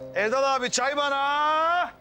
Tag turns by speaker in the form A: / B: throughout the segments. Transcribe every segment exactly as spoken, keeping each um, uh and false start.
A: Erdal abi çay bana.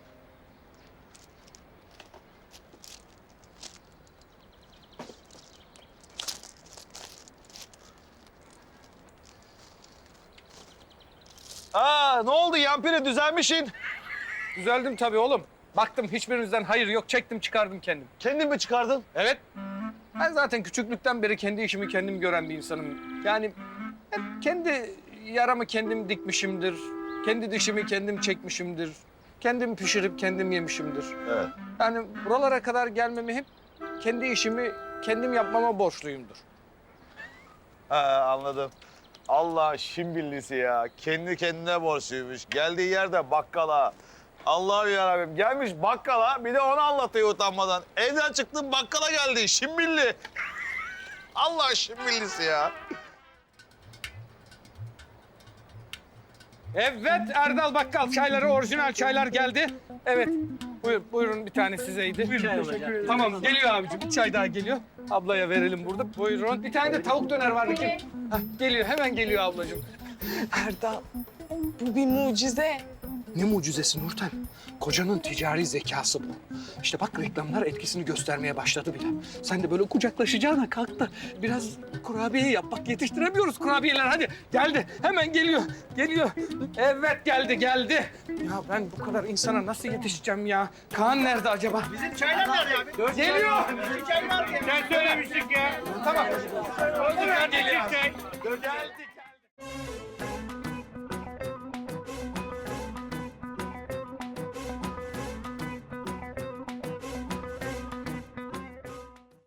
A: Aa, ne oldu Yampiri, düzelmişsin?
B: Düzeldim tabii oğlum. Baktım hiçbirinizden hayır yok, çektim çıkardım kendim.
A: Kendin mi çıkardın?
B: Evet. Ben zaten küçüklükten beri kendi işimi kendim gören bir insanım. Yani hep kendi yaramı kendim dikmişimdir. Kendi dişimi kendim çekmişimdir. Kendim pişirip kendim yemişimdir.
A: Evet.
B: Yani buralara kadar gelmemi hep kendi işimi kendim yapmama borçluyumdur.
A: Ha, anladım. Allah şimbillisi ya. Kendi kendine borçluymuş. Geldiği yerde bakkala. Allah'ım yarabbim. Gelmiş bakkala, bir de onu anlatıyor utanmadan. Evden çıktım bakkala geldi. Şimbilli. Allah şimbillisi ya.
B: Evet Erdal Bakkal çayları, orijinal çaylar geldi. Evet. Buyur, buyurun bir tane sizeydi. Buyurun. Tamam geliyor abicim. Bir çay daha geliyor. Ablaya verelim burada. Buyurun. Bir tane de tavuk döner vardı kim? Hah, geliyor hemen geliyor ablacığım.
C: Erdal, bu bir mucize.
B: Ne mucizesi Nurten? Kocanın ticari zekası bu. İşte bak reklamlar etkisini göstermeye başladı bile. Sen de böyle kucaklaşacağına kalk da biraz kurabiye yap. Bak yetiştiremiyoruz kurabiyeler hadi. Geldi hemen geliyor. Geliyor. Evet geldi geldi. Ya ben bu kadar insana nasıl yetişeceğim ya? Kaan nerede acaba?
D: Bizim çaylar nerede abi?
B: Geliyor.
D: Bizim çaylar nerede? Sen söylemiştin ya.